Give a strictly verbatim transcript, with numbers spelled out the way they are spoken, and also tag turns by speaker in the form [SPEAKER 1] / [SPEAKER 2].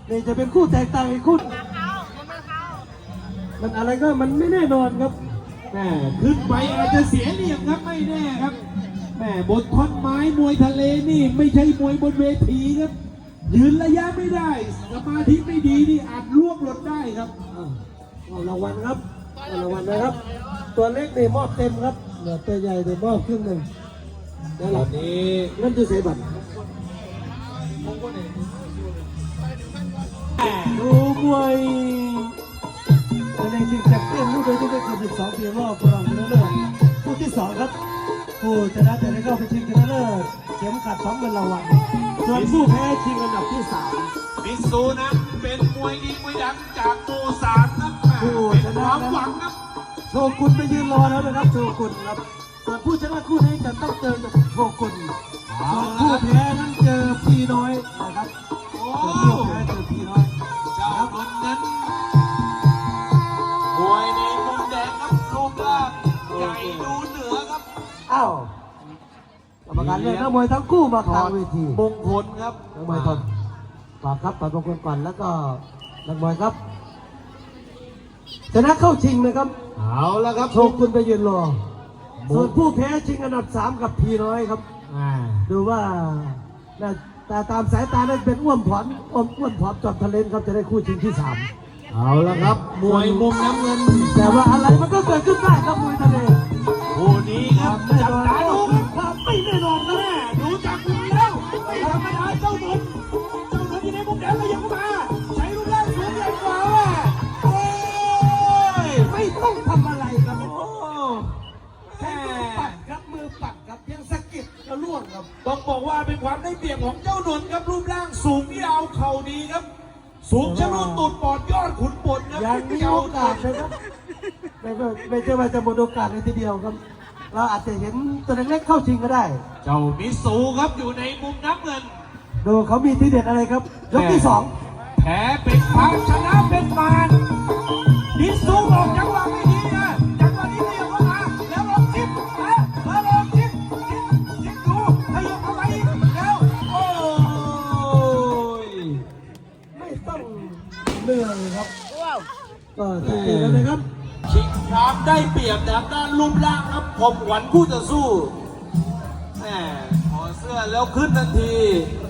[SPEAKER 1] นี่จะเป็นคู่แตกต่างอีกคู่มันอะไรก็มันไม่แน่นอนครับ
[SPEAKER 2] แม่ขึ้นไปอาจจะเสียเหลี่ยมครับไม่แน่ครับแม่บนท่อนไม้มวยทะเลนี่ไม่ใช่มวยบนเวทีครับยืนระยะไม่ได้สมาธิไม่ดีนี่อาจล่วงหล่นได้ครับ
[SPEAKER 1] เอารางวัลครับเอารางวัลนะครับตัวเล็กนี่มอบเต็มครับเหลือตัวใหญ่เดี๋ยวมอบครึ่งหนึ่ง
[SPEAKER 2] ตอนนี้
[SPEAKER 1] นั่นคือเสียบัตรดูมวยในชิงแชมเปี้ยนรุ่นอายุไม่เกินสิบสองปีรอบรองชนะเลิศคู่ที่สองครับผู้ชนะจะได้เข้าไปชิงชนะเลิศเข็มขัดสองเงินรางวัลส่วนผู้แพ้ชิงอันดับที่สาม
[SPEAKER 2] มิซูนะเป็นมวยดีมวยดังจากโมซานครับผู้ชนะความหวังครับ
[SPEAKER 1] โชกุนไปยืนรอแล้วนะครับโชกุนครับส่วนผู้ชนะคู่นี้จะต้องเจอกับโชกุนส่วนผู้แพ้นั้นเจอพี่น้อยนะครับส่วนผู้แพ้เจอพี่น้อย
[SPEAKER 2] เจ้าคนนั้นมวยในมุมแดงครับรูปร่างใหญ่ดูเหนือครับ
[SPEAKER 1] อ้าวกรรมการเลือกนักมวยทั้งคู่มากลางเวที
[SPEAKER 2] มงคลครับ
[SPEAKER 1] นักมวยทนฝากครับฝากมงคลก่อนแล้วก็นักมวยครับชนะเข้าชิงนะครับ
[SPEAKER 2] เอาละครับ
[SPEAKER 1] โชกุนไปยืนรอส่วนผู้แพ้ชิงอันดับสามกับพี่น้อยครับดูว่าแต่ตามสายตาได้เป็นอ้วนผอมอ้วนอ้วนผอมจอมทะเลนครับจะได้คู่ชิงที่สาม
[SPEAKER 2] เอาละครับมวยมุมน้ำเงิน
[SPEAKER 1] แต่ว่าอะไรมันก็เกิดขึ้นได้ครับมวยทะเล
[SPEAKER 2] คู่นี้ครับจับตาดู
[SPEAKER 1] ความไม่แน่นอนนะแม่
[SPEAKER 2] ดูจากมุมแล้วไม่ธรรมดาเจ้าหนุนเจ้าหนุนที่ในมุมแดงก็ยังเข้ามาใช้รูปร่างสูงใหญ่กว่าโอ้
[SPEAKER 1] ยไม่ต้องทำอะไรครับโอ้แค่ปัดครับมือปัดครับเพียงสะกิดก็ล่วงครับ
[SPEAKER 2] ต้องบอกว่าเป็นความได้เปรียบของเจ้าหนุนครับรูปร่างสูงยาวเข่าดีครับสูงชะลุตูดปอดยอดขุนปนครับ
[SPEAKER 1] ยังมีโอกาสนะครับไม่ไม่ใช่ว่าจะหมดโอกาสในทีเดียวครับเราอาจจะเห็นตัวเล็กๆเข้าชิงก็ได้
[SPEAKER 2] เจ้ามิสูครับอยู่ในมุมน้ำเงิน
[SPEAKER 1] ดูเขามีทีเด็ดอะไรครับยกที่สอง
[SPEAKER 2] แพ้เป็นพังชนะเป็นมารมิสูบอกจังหวะไม่ดีนะจังหวะนี้ขยับเข้ามาแล้วลองจิ้มนะแล้วลองจิ้มจิ้มจิ้มดูขยับเข้าไปแล้วโอ้ย
[SPEAKER 1] ไม่ต้องเหนื่อยครับก็สังเกตแล้วนะครับ
[SPEAKER 2] ชิงความได้เปรียบทางด้านรูปร่างครับผมหวังคู่จะสู้แหมขอเสื้อแล้วขึ้นทันที